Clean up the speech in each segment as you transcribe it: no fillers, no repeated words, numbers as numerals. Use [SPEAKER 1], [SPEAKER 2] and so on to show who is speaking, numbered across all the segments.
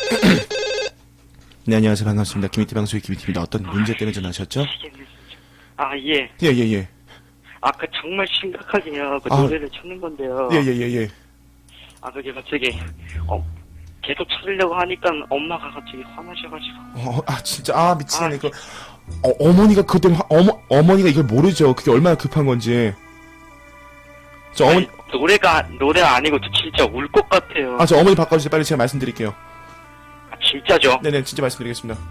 [SPEAKER 1] 네, 안녕하세요. 반갑습니다. 김희태 방송의 김희태입니다. 어떤 문제 때문에 전화하셨죠?
[SPEAKER 2] 아, 예.
[SPEAKER 1] 예.
[SPEAKER 2] 그 정말 심각하게요.
[SPEAKER 1] 아.
[SPEAKER 2] 노래를 찾는 건데요.
[SPEAKER 1] 예.
[SPEAKER 2] 그게 갑자기, 계속 찾으려고 하니까 엄마가 갑자기 화나셔가지고.
[SPEAKER 1] 진짜, 미치겠네. 어머니가 그것 때문에, 어머니가 이걸 모르죠. 그게 얼마나 급한 건지.
[SPEAKER 2] 아니, 노래가 아니고 진짜 울 것 같아요.
[SPEAKER 1] 저 어머니 바꿔주세요. 빨리 제가 말씀드릴게요.
[SPEAKER 2] 진짜죠?
[SPEAKER 1] 네네, 진짜 말씀드리겠습니다.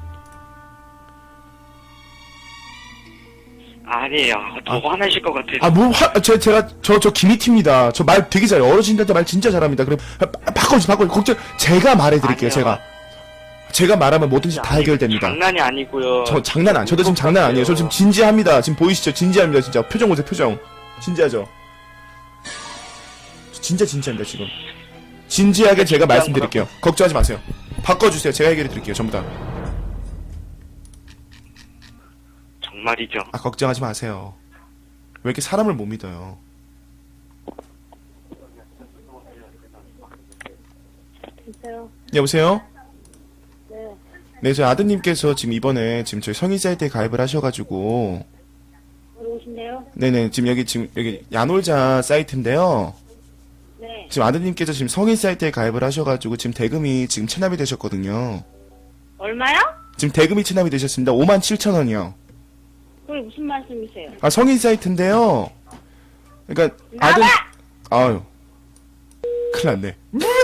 [SPEAKER 2] 아니에요. 더 화나실 것 같아요.
[SPEAKER 1] 저 김희태입니다. 저 말 되게 잘해요. 어르신들한테 말 진짜 잘합니다. 그럼, 바꿔주세요. 걱정, 제가 말해드릴게요,
[SPEAKER 2] 아니요.
[SPEAKER 1] 제가 말하면 뭐든지 다 해결됩니다.
[SPEAKER 2] 장난이 아니고요.
[SPEAKER 1] 저도 지금 장난 아니에요. 저 지금 진지합니다. 지금 보이시죠? 진지합니다, 진짜. 표정 보세요, 표정. 진지하죠? 저 진짜 진지합니다, 지금. 진지하게 제가 말씀드릴게요. 걱정하지 마세요. 바꿔주세요. 제가 해결해드릴게요, 전부 다.
[SPEAKER 2] 정말이죠.
[SPEAKER 1] 걱정하지 마세요. 왜 이렇게 사람을 못 믿어요? 여보세요? 네, 저희 아드님께서 지금 이번에 저희 성인사이트에 가입을 하셔가지고.
[SPEAKER 3] 오신데요?
[SPEAKER 1] 네네, 지금 여기 야놀자 사이트인데요.
[SPEAKER 3] 네.
[SPEAKER 1] 지금 아드님께서 지금 성인사이트에 가입을 하셔가지고 지금 대금이 지금 체납이 되셨거든요.
[SPEAKER 3] 얼마요?
[SPEAKER 1] 지금 대금이 체납이 되셨습니다. 57,000원이요.
[SPEAKER 3] 그게 무슨 말씀이세요?
[SPEAKER 1] 성인 사이트인데요. 그러니까
[SPEAKER 3] 나가!
[SPEAKER 1] 큰일 났네.